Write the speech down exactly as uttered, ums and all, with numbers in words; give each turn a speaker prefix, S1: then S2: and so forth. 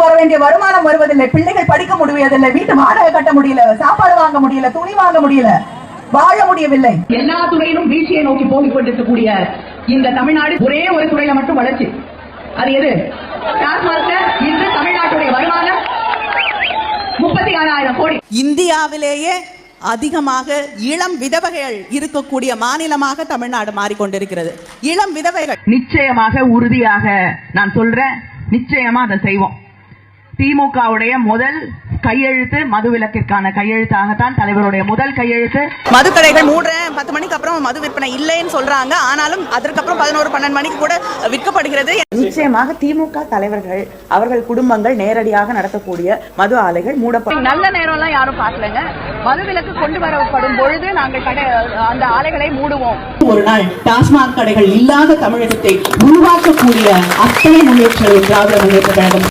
S1: வர வேண்டிய வருமானம் வருவதில்லை, பிள்ளைகள் படிக்க முடிவதில்லை, வீட்டு வாடகை கட்ட முடியல, சாப்பாடு வாங்க முடியல, துணி வாங்க முடியல, வாழ முடியவில்லை. எல்லா துறையிலும் வீழ்ச்சியை நோக்கி போகிக் கொண்டிருக்கக்கூடிய இந்த தமிழ்நாடு ஒரே ஒரு துறையில மட்டும் வளர்ச்சி. அது எது? இன்று தமிழ்நாட்டுடைய வருமானம் முப்பத்தி ஆறாயிரம் கோடி.
S2: இந்தியாவிலேயே அதிகமாக இளம் விதவைகள் இருக்கக்கூடிய மாநிலமாக தமிழ்நாடு மாறிக்கொண்டிருக்கிறது. இளம் விதவைகள்
S1: நிச்சயமாக உறுதியாக நான் சொல்றேன், நிச்சயமா அதை செய்வோம். திமுகவுடைய முதல் கையெழுத்து மதுவிலக்கிற்கான கையெழுத்தாகத்தான் தலைவருடைய முதல் கையெழுத்து.
S2: மதுக்கடைகள் மூன்று பத்து மணிக்கு அப்புறம் மது விற்பனை இல்லைன்னு சொல்றாங்க. ஆனாலும் அதற்கப்புறம் பதினோரு பன்னெண்டு மணிக்கு கூட விற்கப்படுகிறது.
S3: நிச்சயமாக திமுக தலைவர்கள் அவர்கள் குடும்பங்கள் நேரடியாக நடத்தக்கூடிய மது ஆலைகள் மூடப்படும்.
S2: நல்ல நேரம் எல்லாம் யாரும் பார்க்கலங்க. மதுவிலக்கு கொண்டு வரப்படும் பொழுது நாங்கள் கடை அந்த ஆலைகளை மூடுவோம்.
S4: ஒரு நாள் டாஸ்மாக் கடைகள் இல்லாத தமிழகத்தை உருவாக்கக்கூடிய அத்தனை முன்னேற்றங்களை திராவிட முன்னேற்ற கழகம்